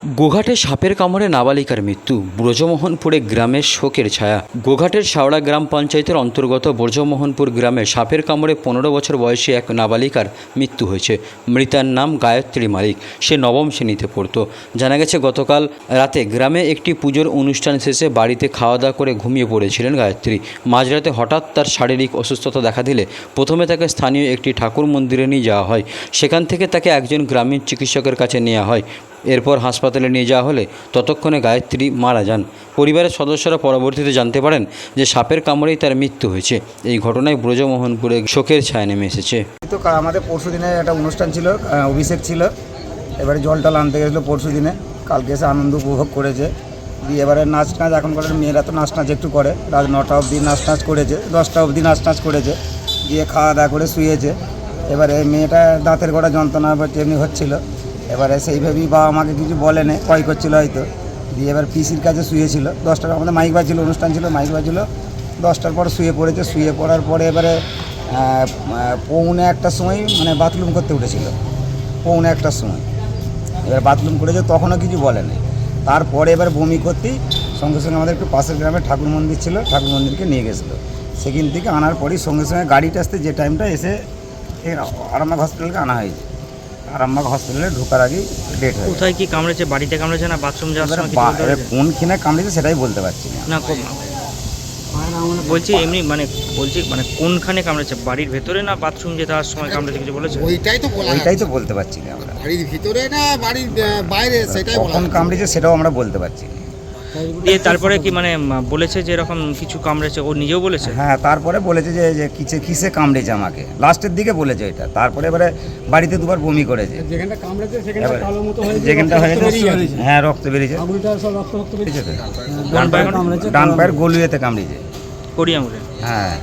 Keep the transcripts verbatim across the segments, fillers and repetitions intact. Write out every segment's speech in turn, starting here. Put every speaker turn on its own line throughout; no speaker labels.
গোঘাটে সাপের কামড়ে নাবালিকার মৃত্যু। ব্রজমোহনপুরে গ্রামের শোকের ছায়া। গোঘাটের শাওড়া গ্রাম পঞ্চায়েতের অন্তর্গত ব্রজমোহনপুর গ্রামে সাপের কামড়ে পনেরো বছর বয়সী এক নাবালিকার মৃত্যু হয়েছে। মৃতার নাম গায়ত্রী মালিক। সে নবম শ্রেণীতে পড়তো। জানা গেছে গতকাল রাতে গ্রামে একটি পুজোর অনুষ্ঠান শেষে বাড়িতে খাওয়া দাওয়া করে ঘুমিয়ে পড়েছিলেন গায়ত্রী। মাঝরাতে হঠাৎ তার শারীরিক অসুস্থতা দেখা দিলে প্রথমে তাকে স্থানীয় একটি ঠাকুর মন্দিরে নিয়ে যাওয়া হয়। সেখান থেকে তাকে একজন গ্রামীণ চিকিৎসকের কাছে নেওয়া হয়। এরপর হাসপাতালে নিয়ে যাওয়া হলে ততক্ষণে গায়ত্রী মারা যান। পরিবারের সদস্যরা পরবর্তীতে জানতে পারেন যে সাপের কামড়েই তার মৃত্যু হয়েছে। এই ঘটনায় ব্রজমোহনপুরে শোকের ছায়া নেমে এসেছে।
তো আমাদের পরশু দিনে একটা অনুষ্ঠান ছিল, অভিষেক ছিল। এবারে জল টল আনতে গেছিলো পরশু দিনে। কালকে এসে আনন্দ উপভোগ করেছে। দিয়ে এবারে নাচ নাচ এখনকার মেয়েরা তো নাচ নাচ একটু করে, রাত নটা অবধি নাচ নাচ করেছে, দশটা অবধি নাচ নাচ করেছে। দিয়ে খাওয়া দাওয়া করে শুয়েছে। এবারে মেয়েটা দাঁতের গোড়া যন্ত্রণা বা এমনি হচ্ছিলো। এবারে সেইভাবেই বাবা আমাকে কিছু বলেনি, ভয় করছিল হয়তো। দিয়ে এবার পিসির কাছে শুয়েছিল। দশটার আমাদের মাইক বাজছিল, অনুষ্ঠান ছিল, মাইক বাজছিল। দশটার পর শুয়ে পড়েছে। শুয়ে পড়ার পরে এবারে পৌনে একটার সময় মানে বাথরুম করতে উঠেছিল। পৌনে একটার সময় এবার বাথরুম করেছে, তখনও কিছু বলেনি। তারপরে এবার বমি করতেই সঙ্গে সঙ্গে আমাদের একটু পাশের গ্রামে ঠাকুর মন্দির ছিল, ঠাকুর মন্দিরকে নিয়ে গেছিলো। সেখান থেকে আনার পরই সঙ্গে সঙ্গে গাড়িটা আসতে যে টাইমটা এসে আরামবাগ হসপিটালকে আনা হয়েছে। আরামবাগ হসপিটালে ঢোকার আগেই ডেট হয়েছে।
কোথায় কি কামড়েছে? বাড়িতে কামড়েছে না বাথরুম যাওয়ার সময়?
কোনখানে কামড়েছে সেটাই বলতে পারছি না।
না বলছি এমনি মানে বলছি মানে কোনখানে কামড়েছে, বাড়ির ভেতরে না বাথরুম যেতে যাওয়ার সময় কামড়েছে কিছু বলেছে?
ওইটাই তো বলা
ওইটাই তো বলতে পারছি না আমরা।
বাড়ির ভিতরে না বাড়ির বাইরে সেটাই বলা।
কখন কামড়েছে সেটাও আমরা বলতে পারছি না।
দিয়ে তারপরে কি মানে বলেছে যে এরকম কিছু কামড়েছে, ও নিজেও বলেছে?
হ্যাঁ, তারপরে বলেছে যে যে কিসে কিসে কামড়েছে আমাকে, লাস্টের দিকে বলেছে এটা। তারপরে এবারে বাড়িতে দুবার বমি করেছে।
যেখানটা কামড়েছে সেখানটা কালো মতো হয়েছে,
যেখানটা হয়েছে হ্যাঁ রক্ত বেরিয়েছে।
আঙুলটা সব রক্ত রক্ত বেরিয়েছে।
ডান পায়ে
কামড়েছে,
ডান পায়ের গলুয়েতে কামড়েছে।
করি আঙুলে?
হ্যাঁ।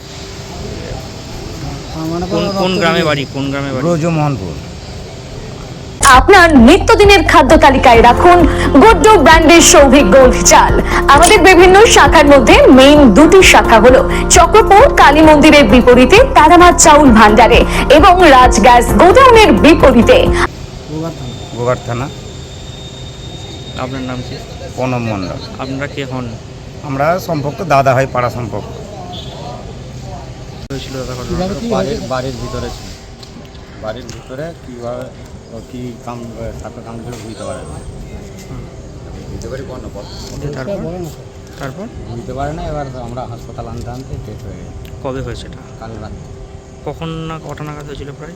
কোন কোন গ্রামে বাড়ি? কোন গ্রামে বাড়ি?
ব্রজমোহনপুর।
আপনার নিত্যদিনের খাদ্য তালিকায় রাখুন গুড্ডু ব্র্যান্ডের সৌভিক গোল্ড চাল। আমাদের বিভিন্ন শাখার মধ্যে মেইন দুটি শাখা হলো চক্রপুর কালী মন্দিরের বিপরীতে তারামার চাউল ভান্ডারে এবং রাজ গ্যাস গোডাউনের বিপরীতে।
গোঘাট থানা।
আপনার নাম কি?
প্রণব মণ্ডল।
আপনারা কে হন?
আমরা সম্পর্ক দাদা হয়, পাড়া সম্পর্ক।
হয়েছিল দাদা ঘটনা?
বাড়ির বাড়ির ভিতরে ছিল। বাড়ির ভিতরে কীভাবে ও কী কাম সাপে কামড় বুঝতে পারে না। বুঝতে পারি কোনো
তারপর তারপর
বুঝতে পারে না। এবার আমরা হাসপাতাল আনতে আনতে ডেট হয়ে গেছে।
কবে হয়েছে এটা?
কাল রাত
কখন না কটা নাগাদ হয়েছিল প্রায়?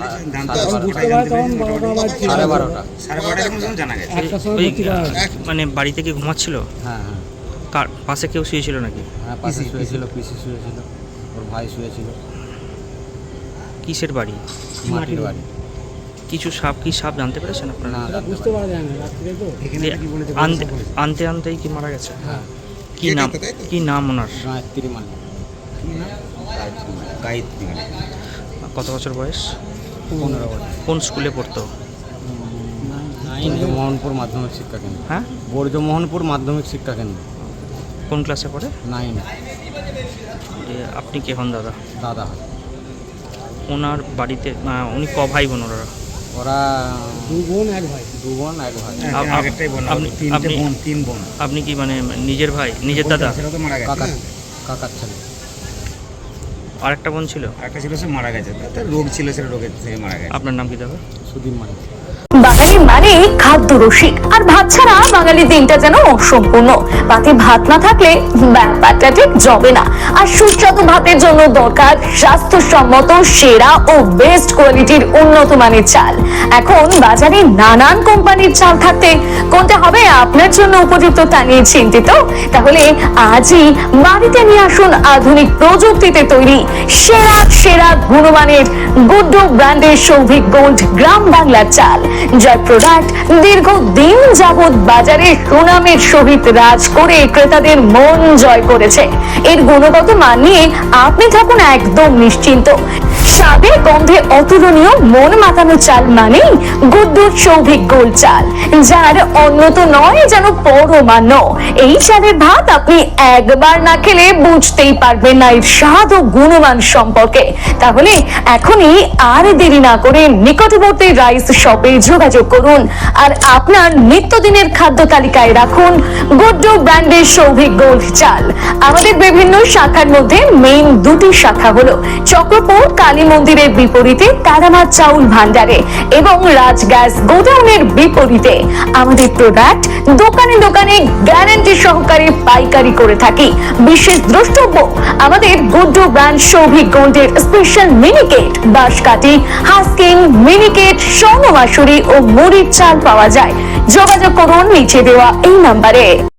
সাড়ে বারোটা।
সাড়ে বারোটার মধ্যে জানা গেছে।
ওই, মানে বাড়িতে কি ঘুমাচ্ছিল?
হ্যাঁ হ্যাঁ
কার পাশে কেউ শুয়েছিল নাকি?
হ্যাঁ পাশে শুয়েছিল, পিসি শুয়েছিল, ওর ভাই শুয়েছিল।
কিসের বাড়ি?
মাটির বাড়ি।
কিছু সাপ কি সাপ জানতে পেরেছেন আপনারা?
না জানতে
বুঝতে
পারি।
পারা যায় না রাত্রে তো।
দিয়ে আনতে আনতে আনতেই কি মারা গেছে?
হ্যাঁ।
কি নাম কি নাম ওনার?
গায়ত্রী মালিক।
গায়ত্রী মালিক।
কত বছর বয়স?
পনেরো বছর।
কোন স্কুলে পড়তো?
মোহনপুর মাধ্যমিক শিক্ষা কেন্দ্র।
হ্যাঁ,
ব্রজমোহনপুর মাধ্যমিক শিক্ষা কেন্দ্র।
কোন ক্লাসে পড়ে?
নাইন।
দিয়ে আপনি কে হন দাদা?
দাদা হয়।
ওনার বাড়িতে আহ, উনি ক ভাই বোন ওরা?
ওরা
দু বোন এক ভাই।
দু বোন এক ভাই।
আপ- আপ-
আগেরটাই বললাম,
আপনি-
তিনটে
আপনি-
বোন, তিন বোন।
আপনি কি মানে নিজের ভাই, নিজের দাদা?
সেটা তো মারা গেছে।
কাকা কাকার ছেলে।
আরেকটা বোন ছিল?
একটা ছিল, সে মারা গেছে। তার রোগ ছিল, সেটা রোগের থেকে মারা গেছে।
আপনার নাম কি দাদা?
সুদীপ মালিক।
বাঙালি মানে খাদ্য রসিক, আর ভাত ছাড়া বাঙালি দিনটা যেন অসম্পূর্ণ। পাতে ভাত না থাকলে ব্যাপারটা ঠিক জমে না। আর সুস্বাদু ভাতের জন্য দরকার স্বাস্থ্যসম্মত সেরা ও বেস্ট কোয়ালিটির উন্নত মানের চাল। এখন বাজারে নানান কোম্পানির চাল থাকতে কোনটা হবে আপনার জন্য উপযুক্ত তা নিয়ে চিন্তিত? তাহলে আজই বাড়িতে নিয়ে আসুন আধুনিক প্রযুক্তিতে তৈরি সেরা সেরা গুণমানের গুড্ডু ব্র্যান্ডের সৌভিক গোল্ড গ্রাম বাংলার চাল, যার প্রোডাক্ট দীর্ঘদিন যাবৎ বাজারে সুনামের সহিত রাজ করে ক্রেতাদের মন জয় করেছে। এর গুণগত মান নিয়ে আপনি থাকুন একদম নিশ্চিন্ত। স্বাদে গন্ধে অতুলনীয় মন মাতানো চাল মানেই গুড্ডুর সৌভিক গোল্ড চাল, যার অন্যত নয় যেন পরমান্ন। এই চালের ভাত আপনি একবার না খেলে বুঝতেই পারবেন না এর স্বাদ ও গুণমান সম্পর্কে। তাহলে এখনই আর দেরি না করে নিকটবর্তী রাইস শপে যোগাযোগ করুন আর আপনার নিত্যদিনের খাদ্য তালিকায় রাখুন গুড্ডু ব্র্যান্ডের সৌভিক গোল্ড চাল। আমাদের বিভিন্ন শাখার মধ্যে মেইন দুটি শাখা হলো চক্রপুর কালী মন্দিরের বিপরীতে তারামার চাউল ভান্ডারে এবং রাজ গ্যাস গোডাউনের বিপরীতে। আমাদের প্রোডাক্ট দোকানে দোকানে গ্যারান্টি সহকারে পাইকারি করে থাকি। বিশেষ দ্রষ্টব্য, আমাদের গুড্ডু ব্র্যান্ড সৌভিক গোল্ডের স্পেশাল মিনিকেট, বাঁশকাঠি, হাস্কিং, মিনিকেট, স্বর্ণ মাসুরি ও মুড়ির চাল পাওয়া যায়। যোগাযোগ করুন নিচে দেওয়া এই নাম্বারে।